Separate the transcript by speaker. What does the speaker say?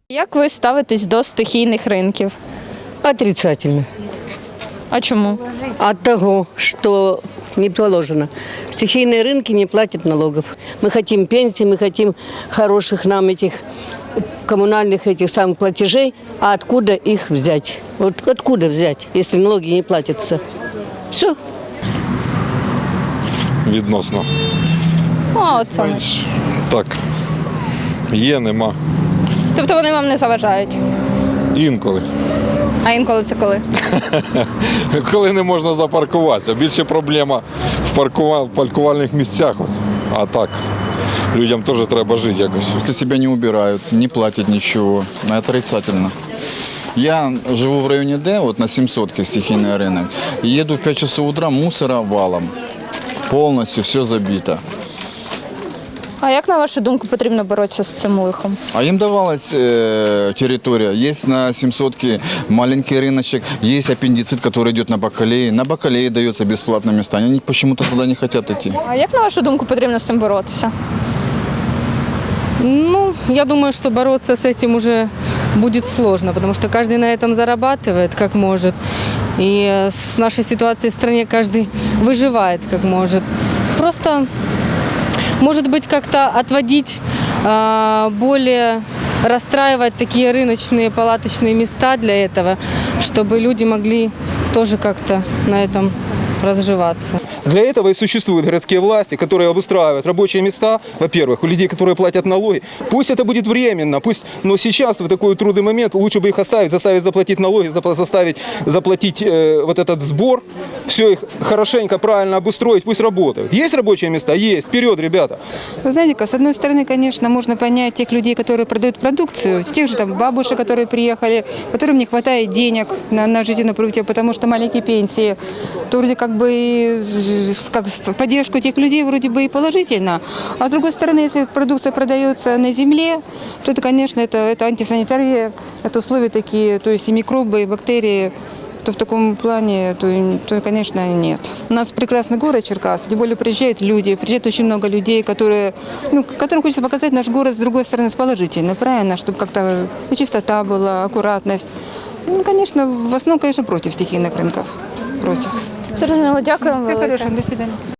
Speaker 1: Як ви ставитесь до стихійних ринків?
Speaker 2: Отрицательно.
Speaker 1: А чому?
Speaker 2: От того, что не положено. Стихийные рынки не платят налогов. Мы хотим пенсии, мы хотим хороших нам этих коммунальных этих самых платежей. А откуда их взять? Вот откуда взять, если налоги не платятся? Все.
Speaker 3: Відносно.
Speaker 1: О, от саме.
Speaker 3: Так. Є, нема.
Speaker 1: Тобто вони вам не заважають?
Speaker 3: Інколи.
Speaker 1: А інколи це коли?
Speaker 3: Коли не можна запаркуватися. Більше проблема в паркувальних місцях. А так, людям теж треба жити якось.
Speaker 4: Если себя не убирают, не платят ничего, отрицательно. Я живу в районе Д, вот на 700-ке стихийный рынок. И еду в 5 часов утра, мусора валом. Полностью все забито.
Speaker 1: А як, на вашу думку, потрібно боротися з цим лихом?
Speaker 4: А им давалась территория. Есть на 700-ке маленький рыночек, есть аппендицит, который идет на Бакалее. На Бакалее дается бесплатно места. Они почему-то туда не хотят идти.
Speaker 1: А як, на вашу думку, потрібно з цим боротися?
Speaker 5: Ну, я думаю, что бороться с этим уже будет сложно, потому что каждый на этом зарабатывает, как может. И с нашей ситуацией в стране каждый выживает, как может. Просто, может быть, как-то отводить, более расстраивать такие рыночные палаточные места для этого, чтобы люди могли тоже как-то на этом разживаться.
Speaker 6: Для этого и существуют городские власти, которые обустраивают рабочие места, во-первых, у людей, которые платят налоги. Пусть это будет временно, но сейчас, в такой трудный момент, лучше бы их оставить, заставить заплатить налоги, заставить заплатить вот этот сбор, все их хорошенько, правильно обустроить, пусть работают. Есть рабочие места? Есть. Вперед, ребята.
Speaker 7: Вы знаете, с одной стороны, конечно, можно понять тех людей, которые продают продукцию, тех же там бабушек, которые приехали, которым не хватает денег на жизненное прожитие, потому что маленькие пенсии, то вроде как бы как поддержку этих людей вроде бы и положительно. А с другой стороны, если продукция продается на земле, то это, конечно, это антисанитария, это условия такие, то есть и микробы, и бактерии, то в таком плане, то, конечно, нет. У нас прекрасный город Черкассы, тем более приезжают люди, приезжает очень много людей, которым хочется показать наш город с другой стороны, с положительной, правильно, чтобы как-то и чистота была, аккуратность. Ну, конечно, в основном, конечно, против стихийных рынков. Против.
Speaker 1: Зрозуміло, дякую вам.
Speaker 7: Все
Speaker 1: велике.
Speaker 7: хорошо, до свидания.